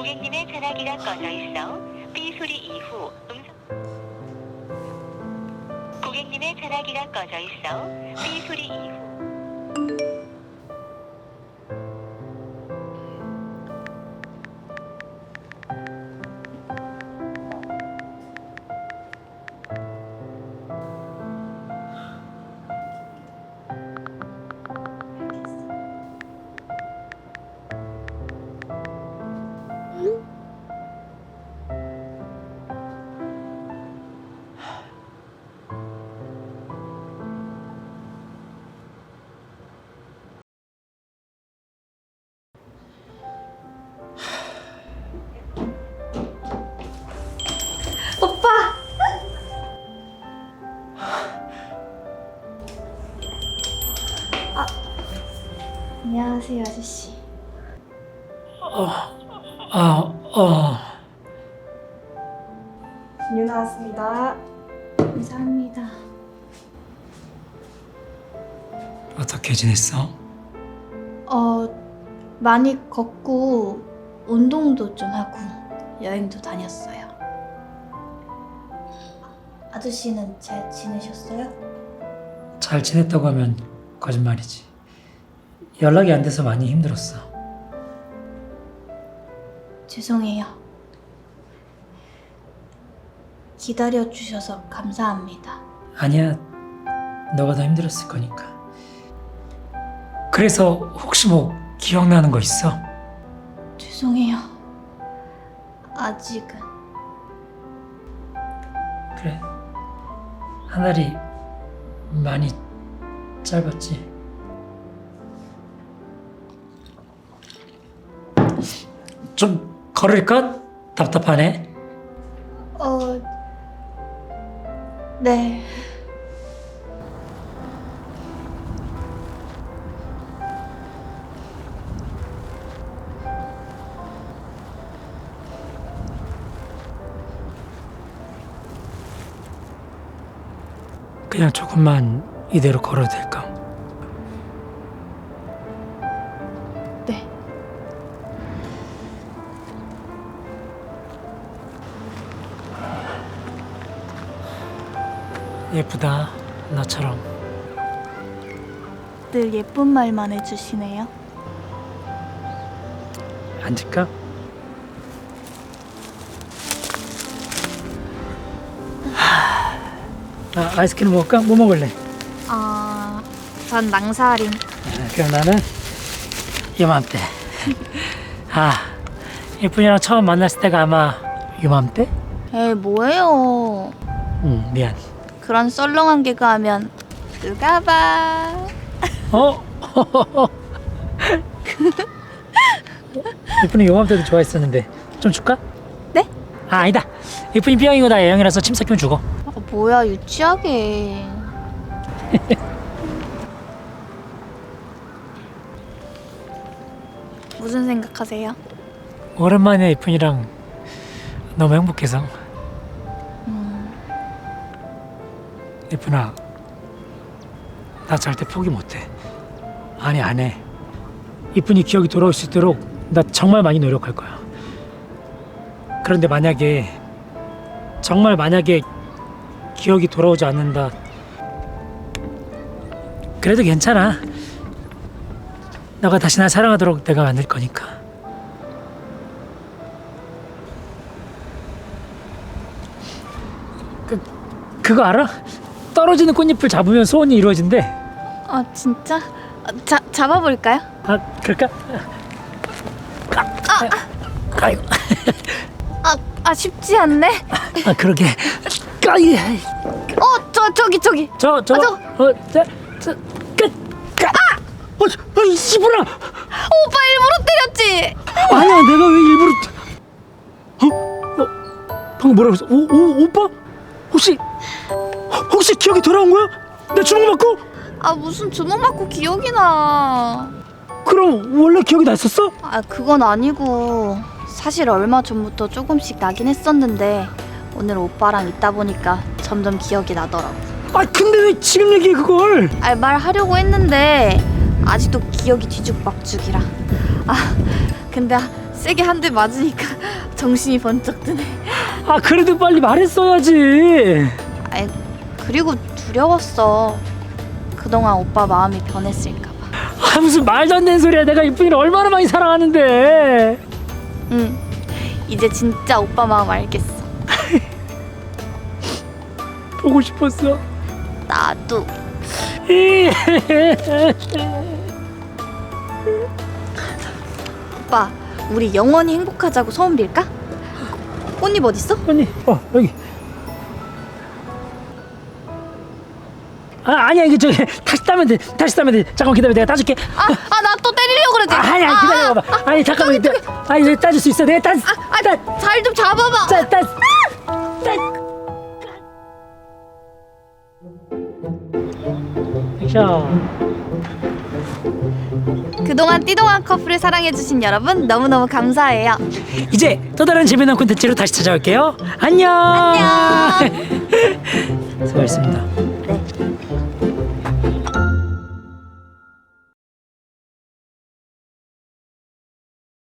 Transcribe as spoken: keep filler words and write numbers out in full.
고객님의 전화기가 꺼져 있어 삐 소리 이후 음성 고객님의 전화기가 꺼져 있어 삐 소리 이후 오빠! 아, 안녕하세요, 아저씨. 아, 어. 음료 나왔습니다. 감사합니다. 어떻게 지냈어? 어, 많이 걷고 운동도 좀 하고 여행도 다녔어요. 아저씨는 잘 지내셨어요? 잘 지냈다고 하면 거짓말이지. 연락이 안 돼서 많이 힘들었어. 죄송해요. 기다려주셔서 감사합니다. 아니야, 너가 더 힘들었을 거니까. 그래서 혹시 뭐 기억나는 거 있어? 죄송해요. 아직은. 그래. 한 달이 많이 짧았지. 좀 걸을까? 답답하네. 어, 네. 그냥 조금만 이대로 걸어도 될까? 네. 예쁘다, 나처럼. 늘 예쁜 말만 해주시네요. 앉을까? 아, 아이스크림 먹을까? 뭐 먹을래? 아, 전 낭사림. 아, 그럼 나는 이맘때. 아, 예쁜이랑 처음 만났을 때가 아마 이맘때? 에이, 뭐예요. 응, 미안. 그런 썰렁한 개그 하면 누가 봐. 어? 예쁜이 요맘때도 좋아했었는데 좀 줄까? 네? 아, 아니다. 예쁜이 B형이고 나 A형이라서 침 섞이면 주고. 아, 뭐야, 유치하게. 무슨 생각하세요? 오랜만에 예쁜이랑 너무 행복해서. 음, 예쁜아, 나 절대 포기 못해. 아니, 안 해. 이쁜이 기억이 돌아올 수 있도록 나 정말 많이 노력할 거야. 그런데 만약에 정말 만약에 기억이 돌아오지 않는다, 그래도 괜찮아. 너가 다시 날 사랑하도록 내가 만들 거니까. 그, 그거 알아? 떨어지는 꽃잎을 잡으면 소원이 이루어진대. 아, 진짜? 아, 자, 잡아볼까요? 아, 그럴까? 아, 아, 아이고. 아, 아, 쉽지 않네. 아, 그러게. 까이. 어, 저, 저기, 저기. 저, 저, 아, 저. 어, 저, 저, 끝, 까. 아! 어, 어, 이 씨부라. 오빠 일부러 때렸지? 아니야, 내가 왜 일부러. 어, 어, 방금 뭐라고 했어? 오, 오, 오빠? 혹시, 혹시 기억이 돌아온 거야? 내 주먹 맞고? 아, 무슨 주먹 맞고 기억이 나. 그럼 원래 기억이 났었어? 아, 그건 아니고 사실 얼마 전부터 조금씩 나긴 했었는데 오늘 오빠랑 있다 보니까 점점 기억이 나더라고. 아, 근데 왜 지금 얘기해 그걸? 아, 말하려고 했는데 아직도 기억이 뒤죽박죽이라. 아, 근데 세게 한 대 맞으니까 정신이 번쩍 드네. 아 그래도 빨리 말했어야지. 아이, 그리고 두려웠어. 그동안 오빠 마음이 변했을까 봐. 아 무슨 말도 안 되는 소리야. 내가 이쁜이를 얼마나 많이 사랑하는데. 응, 이제 진짜 오빠 마음 알겠어. 보고 싶었어. 나도. 오빠, 우리 영원히 행복하자고 소원 빌까? 꽃잎 어딨어? 언니, 어 여기. 아 아니야 이게 저기 다시 따면 돼. 다시 따면 돼. 잠깐 기다려. 내가 따줄게. 아, 아, 나 또 때리려고 그러지? 아, 아니야 아, 기다려봐. 아, 아니 잠깐만. 저기, 내가, 아니 내가 따줄 수 있어. 내가 따. 아, 따. 잘 좀 잡아봐. 따. 따. 따. 액션. 그동안 띠동한 커플을 사랑해주신 여러분 너무너무 감사해요. 이제 또 다른 재미난 콘텐츠로 다시 찾아올게요. 안녕. 안녕. 수고하셨습니다. 네.